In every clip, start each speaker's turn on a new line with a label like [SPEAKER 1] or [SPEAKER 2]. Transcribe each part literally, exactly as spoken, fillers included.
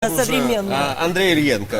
[SPEAKER 1] современная.
[SPEAKER 2] Андрій Ільєнко.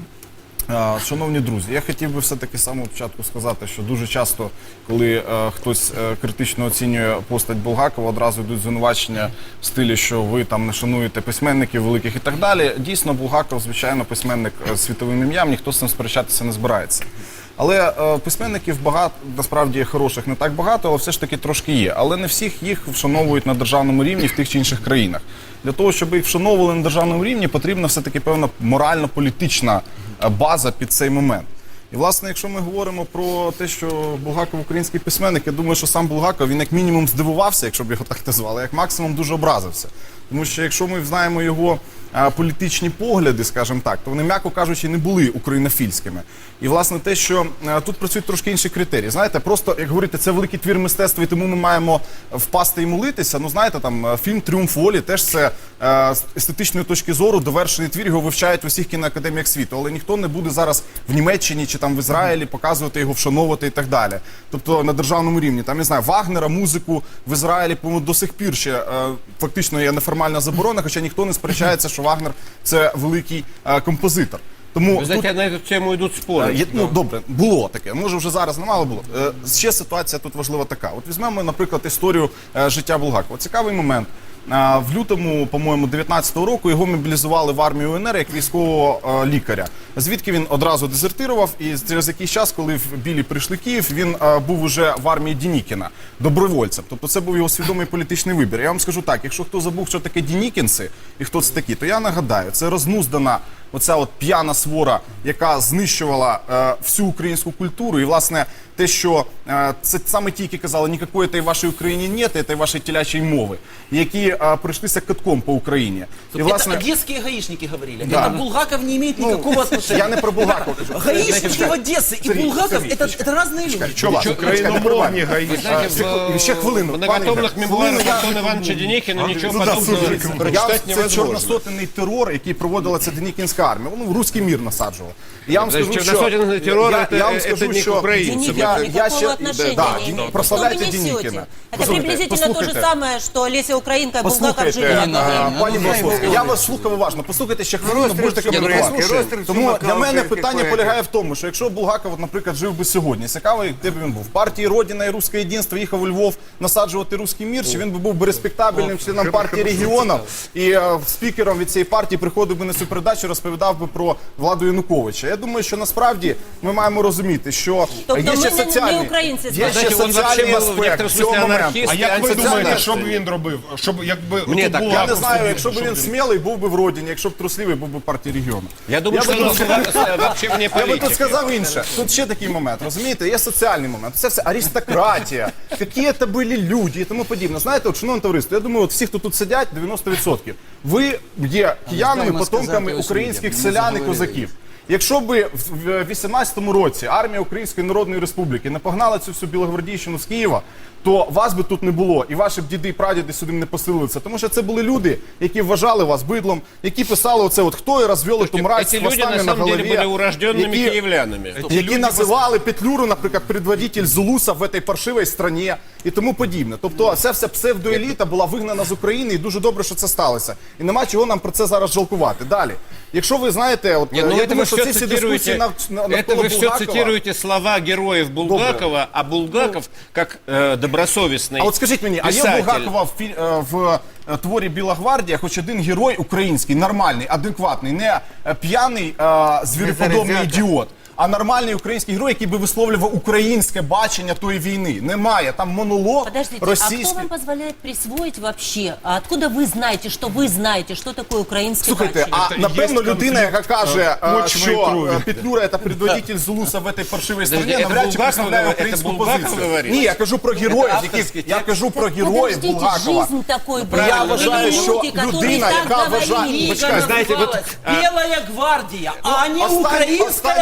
[SPEAKER 3] Шановні друзі, я хотів би все-таки з самого початку сказати, що дуже часто, коли е, хтось е, критично оцінює постать Булгакова, одразу йдуть звинувачення в стилі, що ви там не шануєте письменників великих і так далі. Дійсно, Булгаков, звичайно, письменник з світовим ім'ям, ніхто з цим сперечатися не збирається. Але е, письменників багато, насправді хороших не так багато, але все ж таки трошки є. Але не всіх їх вшановують на державному рівні в тих чи інших країнах. Для того, щоб їх вшановували на державному рівні, потрібна все-таки певна морально-політична база під цей момент. І, власне, якщо ми говоримо про те, що Булгаков український письменник, я думаю, що сам Булгаков, він як мінімум здивувався, якщо б його так назвали, як максимум дуже образився. Тому що якщо ми знаємо його а, політичні погляди, скажімо так, то вони, м'яко кажучи, не були українофільськими. І, власне, те, що а, тут працюють трошки інші критерії. Знаєте, просто, як говорити, це великий твір мистецтва, і тому ми маємо впасти і молитися. Ну, знаєте, там, фільм «Тріумф волі» теж це а, з естетичної точки зору довершений твір, його вивчають в усіх кіноакадеміях світу. Але ніхто не буде зараз в Німеччині чи там в Ізраїлі показувати його, вшановувати і так далі. Тобто на державному рівні. Там, не знаю, Вагнера, музику в Ізраїлі, по-моєму, до сих пір ще а, фактично є неформальна заборона, хоча ніхто не сперечається, що Вагнер – це великий а, композитор. Тому
[SPEAKER 2] Ви знаєте,
[SPEAKER 3] тут,
[SPEAKER 2] на цю тему йдуть спори.
[SPEAKER 3] Є, ну, добре, було таке. Може, вже зараз немало було. Е, ще ситуація тут важлива така. От візьмемо, наприклад, історію е, життя Булгакова. Цікавий момент. Е, в лютому, по-моєму, дев'ятнадцятого року його мобілізували в армію УНР як військового е, лікаря. Звідки він одразу дезертирував, і через якийсь час, коли в Білі прийшли Київ, він е, був уже в армії Дінікіна, добровольцем. Тобто це був його свідомий політичний вибір. Я вам скажу так, якщо хто забув, що таке дінікінці і хто це такі, то я нагадаю, це рознуздана оця от п'яна свора, яка знищувала е, всю українську культуру. І, власне, те, що е, це саме ті, які казали, ніякої та й вашій Україні нет, та й вашої телячої мови, які е, пройшлися катком по Україні.
[SPEAKER 4] И, власне... Это одесские гаишники говорили.
[SPEAKER 3] Да.
[SPEAKER 4] Это Булгаков не имеет никакого ну, отношения.
[SPEAKER 3] Я не про Булгакова.
[SPEAKER 4] Гаишники в Одессе и Булгаков это, это разные люди.
[SPEAKER 3] Чого? Україномовні
[SPEAKER 2] гаишники.
[SPEAKER 3] Ще хвилину.
[SPEAKER 2] В многотомных мемуарах Антона Ивановича Денікіна нічого подобного прочитати невозможно.
[SPEAKER 3] Це чорносотенний терор, який проводила ця Денікінська армія. Воно в русський мір насаджувало. Я вам скажу, що...
[SPEAKER 2] Чорносотенний терор – це не к українцям.
[SPEAKER 1] Никакого отношения
[SPEAKER 3] да,
[SPEAKER 1] не имеет.
[SPEAKER 3] прославляйте
[SPEAKER 1] Что вы
[SPEAKER 3] Денікіна.
[SPEAKER 1] несете? Это приблизительно то же самое, что Леся Українка и Булгаков жили одно время.
[SPEAKER 3] Пані Богословська, я вас слухав уважно. Послухайте ще хвилину, будете коментувати. Тому для мене питання полягає в тому, що якщо Булгаков, наприклад, жив би сьогодні, цікавий, де б він був? В партії «Родина» і «Русське єдинство» їхав у Львов насаджувати русський мір, чи він би був би респектабельним членом партії регіонів і спікером від цієї партії приходив би на цю передачу, розповідав би про владу Януковича. Я думаю, що насправді ми маємо розуміти, що є ще соціальні, є ще соціальний аспект цього моменту.
[SPEAKER 5] А як ви думаєте, що б він робив? Щоб, якби,
[SPEAKER 2] Мені так,
[SPEAKER 3] Я не знаю, якщо б він смілий, був би в Родині, якщо б трусливий, був би в партії регіону.
[SPEAKER 2] Я думаю, що він взагалі вне
[SPEAKER 3] Я би тут
[SPEAKER 2] політики.
[SPEAKER 3] сказав інше. Тут ще такий момент, розумієте? Є соціальний момент. Це все аристократія, які це були люди і тому подібне. Знаєте, от, шановне товариство, я думаю, от всі, хто тут сидять, дев'яносто відсотків, ви є киянами, потомками українських селян і козаків. Якщо б в вісімнадцятому році армія Української Народної Республіки не погнала цю всю білогвардійщину з Києва, то вас би тут не було, і ваші б діди і прадіди сюди не поселилися. Тому що це були люди, які вважали вас бидлом, які писали оце от «Хто і розвели ту мразь з
[SPEAKER 2] Эти люди
[SPEAKER 3] хвостами
[SPEAKER 2] на
[SPEAKER 3] на
[SPEAKER 2] самом деле
[SPEAKER 3] голові»,
[SPEAKER 2] были урожденными
[SPEAKER 3] які,
[SPEAKER 2] киевлянами.
[SPEAKER 3] які називали Петлюру, наприклад, предводитель Зулуса в цій паршивій країні і тому подібне. Тобто ця вся псевдоеліта була вигнана з України, і дуже добре, що це сталося. І нема чого нам про це зараз жалкувати. Далі. Якщо ви знаєте, от,
[SPEAKER 2] Не, ну
[SPEAKER 3] я
[SPEAKER 2] это
[SPEAKER 3] думаю,
[SPEAKER 2] вы
[SPEAKER 3] що
[SPEAKER 2] все
[SPEAKER 3] ці всі
[SPEAKER 2] цитируете,
[SPEAKER 3] дискусії нав, навколо
[SPEAKER 2] это вы все
[SPEAKER 3] Булгакова...
[SPEAKER 2] цитируете слова героев Булгакова, а Булгаков, как э, добросовестный
[SPEAKER 3] А от скажіть мені, а є у
[SPEAKER 2] писатель.
[SPEAKER 3] Булгакова в, фі- е, в е, творі «Біла гвардія» хоч один герой український, нормальний, адекватний, не е, п'яний, е, звіреподобний ідіот, а нормальний український герой, який би висловлював українське бачення тої війни? Немає. Там монолог
[SPEAKER 1] Подождите,
[SPEAKER 3] російський.
[SPEAKER 1] а кто вам позволяет присвоить вообще? А откуда вы знаете, что вы знаете, что такое украинский
[SPEAKER 3] Слухайте,
[SPEAKER 1] бачення?
[SPEAKER 3] а напевно людина, яка каже, е,
[SPEAKER 5] почви і
[SPEAKER 3] що
[SPEAKER 5] крові.
[SPEAKER 3] е, Петлюра – це предводитель Зулуса в цій паршивій
[SPEAKER 2] Подожди,
[SPEAKER 3] країні,
[SPEAKER 2] це
[SPEAKER 3] навряд чи
[SPEAKER 2] Булгаков
[SPEAKER 3] представляє
[SPEAKER 2] говорить?
[SPEAKER 3] українську
[SPEAKER 2] Це Булгаков
[SPEAKER 3] позицію.
[SPEAKER 2] говорить?
[SPEAKER 3] Ні, я кажу про героїв,
[SPEAKER 2] авторський
[SPEAKER 3] яких,
[SPEAKER 2] текст.
[SPEAKER 3] я кажу про
[SPEAKER 1] Так
[SPEAKER 3] героїв
[SPEAKER 1] подождите,
[SPEAKER 3] Булгакова.
[SPEAKER 1] жизнь такой была.
[SPEAKER 3] Я
[SPEAKER 1] Были
[SPEAKER 3] вважаю, що
[SPEAKER 1] люди, которые
[SPEAKER 3] людина,
[SPEAKER 1] так
[SPEAKER 3] яка
[SPEAKER 1] говорили.
[SPEAKER 3] вважає...
[SPEAKER 4] Книга
[SPEAKER 3] Почекай,
[SPEAKER 2] знаете, вот,
[SPEAKER 4] называлась «Белая гвардия», а не
[SPEAKER 3] остань-
[SPEAKER 4] украинская
[SPEAKER 3] остання теза.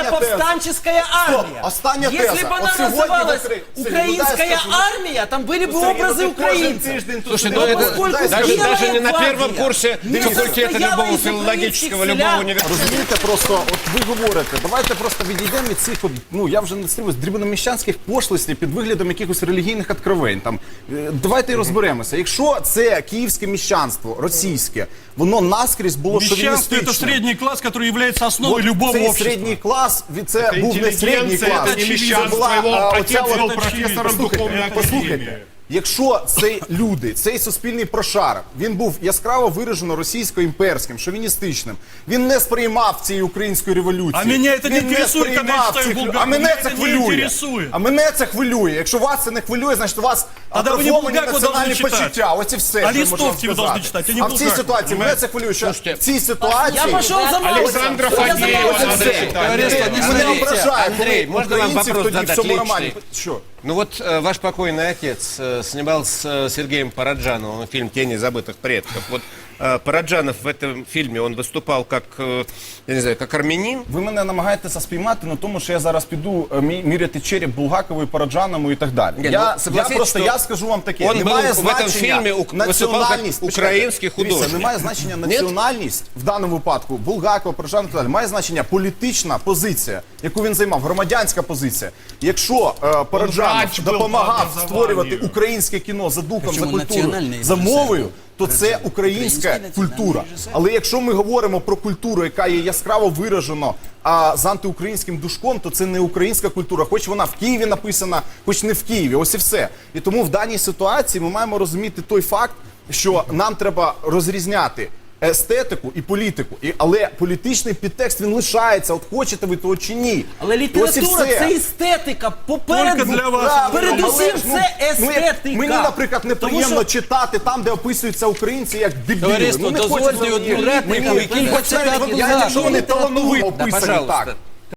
[SPEAKER 4] повстанческая армия.
[SPEAKER 3] остання
[SPEAKER 4] Если
[SPEAKER 3] теза.
[SPEAKER 4] бы она
[SPEAKER 3] От сьогодні
[SPEAKER 4] называлась
[SPEAKER 3] в Украї- Сергій,
[SPEAKER 4] украинская
[SPEAKER 3] ну, дай скажу.
[SPEAKER 4] армия, там были бы
[SPEAKER 3] Сергій,
[SPEAKER 4] образы
[SPEAKER 3] ну, ти кожен
[SPEAKER 4] украинцев.
[SPEAKER 3] тиждень тут
[SPEAKER 2] Слушай,
[SPEAKER 3] сидиш.
[SPEAKER 2] ну это
[SPEAKER 4] поскольку
[SPEAKER 2] даже,
[SPEAKER 4] Белая
[SPEAKER 2] даже не на
[SPEAKER 4] гвардия
[SPEAKER 2] первом курсе
[SPEAKER 4] не
[SPEAKER 2] факультета
[SPEAKER 4] состояла
[SPEAKER 2] любого
[SPEAKER 4] из
[SPEAKER 2] филологического,
[SPEAKER 4] украинских
[SPEAKER 2] любого
[SPEAKER 4] селян.
[SPEAKER 2] университета.
[SPEAKER 3] Розумієте, просто от ви говорите, давайте просто відійдемо від цих, от, ну я вже не стримуюсь, дрібноміщанських пошлостей під виглядом якихось релігійних откровень. Там е, давайте і розберемося. Якщо це київське міщанство, російське, воно наскрізь було
[SPEAKER 6] Мещанство – это
[SPEAKER 3] шовіністичним.
[SPEAKER 6] средний класс, который является основой
[SPEAKER 3] От
[SPEAKER 6] любого
[SPEAKER 3] цей
[SPEAKER 6] общества.
[SPEAKER 3] середній клас, від- це був не середній
[SPEAKER 5] интеллигенция,
[SPEAKER 3] клас.
[SPEAKER 5] это не
[SPEAKER 3] Це
[SPEAKER 5] мещанство,
[SPEAKER 3] була,
[SPEAKER 5] его
[SPEAKER 3] а,
[SPEAKER 5] отец
[SPEAKER 3] оця
[SPEAKER 5] был
[SPEAKER 3] от-
[SPEAKER 5] профессором
[SPEAKER 3] Послухайте,
[SPEAKER 5] духовной
[SPEAKER 3] послухайте.
[SPEAKER 5] академии.
[SPEAKER 3] Якщо цей люди, цей суспільний прошарок, він був яскраво виражено російсько-імперським, шовіністичним, він не сприймав цієї української революції.
[SPEAKER 6] А мене це не
[SPEAKER 3] Він
[SPEAKER 6] інтересує,
[SPEAKER 3] сприймав
[SPEAKER 6] коли я читаю
[SPEAKER 3] цих-
[SPEAKER 6] Булгакова.
[SPEAKER 3] А мене
[SPEAKER 6] Мене
[SPEAKER 3] це
[SPEAKER 6] це не
[SPEAKER 3] хвилює.
[SPEAKER 6] інтересує.
[SPEAKER 3] А мене це хвилює. Якщо вас це не хвилює, значить у вас
[SPEAKER 6] Тогда ви не
[SPEAKER 3] атрофовані
[SPEAKER 6] Булгакова
[SPEAKER 3] національні
[SPEAKER 6] должны читати.
[SPEAKER 3] почуття. Ось і все,
[SPEAKER 6] А
[SPEAKER 3] що я можу вам
[SPEAKER 6] листовки ви
[SPEAKER 3] сказати.
[SPEAKER 6] должны читати, а не
[SPEAKER 3] А в цій
[SPEAKER 6] Булгакова,
[SPEAKER 3] ситуації мене це хвилює, що в цій ситуації...
[SPEAKER 4] Я пошел за
[SPEAKER 2] Александра
[SPEAKER 4] Маусом. Я за
[SPEAKER 2] Фадеева
[SPEAKER 4] Маусом.
[SPEAKER 2] надо читать.
[SPEAKER 3] Мене
[SPEAKER 2] Смотрите,
[SPEAKER 3] ображає,
[SPEAKER 2] Андрей,
[SPEAKER 3] коли
[SPEAKER 2] можно вам
[SPEAKER 3] українців
[SPEAKER 2] вопрос
[SPEAKER 3] тоді в
[SPEAKER 2] задать
[SPEAKER 3] цьому
[SPEAKER 2] личный?
[SPEAKER 3] романі. Що?
[SPEAKER 2] Ну вот э, ваш покойный отец э, снимал с э, Сергеем Параджановым фильм «Тени забытых предков». Вот э, Параджанов в этом фильме, он выступал как, э, я не знаю, как армянин.
[SPEAKER 3] Ви мене намагаєтеся спіймати на тому, що я зараз піду е, мі- міряти череп Булгакової, Параджаному і так далі.
[SPEAKER 2] Ні,
[SPEAKER 3] я,
[SPEAKER 2] ну, согласитесь,
[SPEAKER 3] я просто
[SPEAKER 2] що
[SPEAKER 3] я скажу вам таке.
[SPEAKER 2] он
[SPEAKER 3] Немає
[SPEAKER 2] був в этом
[SPEAKER 3] значення
[SPEAKER 2] фільмі ук- виступав
[SPEAKER 3] національність.
[SPEAKER 2] як український
[SPEAKER 3] Почекайте, дивіться,
[SPEAKER 2] художник.
[SPEAKER 3] немає значення національність в даному випадку Булгакова, Параджанова і так далі. Має значення політична позиція, яку він займав, громадянська позиція. Якщо е, Параджанов
[SPEAKER 5] врач був
[SPEAKER 3] допомагав
[SPEAKER 5] по
[SPEAKER 3] створювати
[SPEAKER 5] образованию.
[SPEAKER 3] українське кіно за духом, за
[SPEAKER 4] Причому
[SPEAKER 3] культурою,
[SPEAKER 4] національний
[SPEAKER 3] за
[SPEAKER 4] режисер
[SPEAKER 3] мовою,
[SPEAKER 4] був.
[SPEAKER 3] то це українська
[SPEAKER 4] Український
[SPEAKER 3] культура.
[SPEAKER 4] національний режисер.
[SPEAKER 3] Але якщо ми говоримо про культуру, яка є яскраво виражено а, з антиукраїнським душком, то це не українська культура, хоч вона в Києві написана, хоч не в Києві. Ось і все. І тому в даній ситуації ми маємо розуміти той факт, що нам треба розрізняти естетику і політику. І, але політичний підтекст він лишається, от хочете ви того чи ні.
[SPEAKER 4] Але
[SPEAKER 3] І ось і
[SPEAKER 4] література
[SPEAKER 3] все.
[SPEAKER 4] це естетика. Попереду,
[SPEAKER 6] Тільки для вас.
[SPEAKER 3] Правильно,
[SPEAKER 4] передусім
[SPEAKER 3] але ж, ну,
[SPEAKER 4] це
[SPEAKER 3] ну, як
[SPEAKER 4] естетика.
[SPEAKER 3] Мені, наприклад, неприємно
[SPEAKER 4] Тому що-
[SPEAKER 3] читати там, де описуються українці як дебіли.
[SPEAKER 7] Товариство,
[SPEAKER 3] ну, не
[SPEAKER 7] дозвольте
[SPEAKER 3] хочеться
[SPEAKER 7] одну
[SPEAKER 3] мені-
[SPEAKER 7] репліку,
[SPEAKER 3] мені-
[SPEAKER 7] який
[SPEAKER 3] хоч
[SPEAKER 7] хоче
[SPEAKER 3] навіть
[SPEAKER 7] так
[SPEAKER 3] я,
[SPEAKER 7] і
[SPEAKER 3] якщо вони
[SPEAKER 7] так.
[SPEAKER 3] талановито
[SPEAKER 2] Да,
[SPEAKER 3] описані
[SPEAKER 2] пожалуйста.
[SPEAKER 3] так.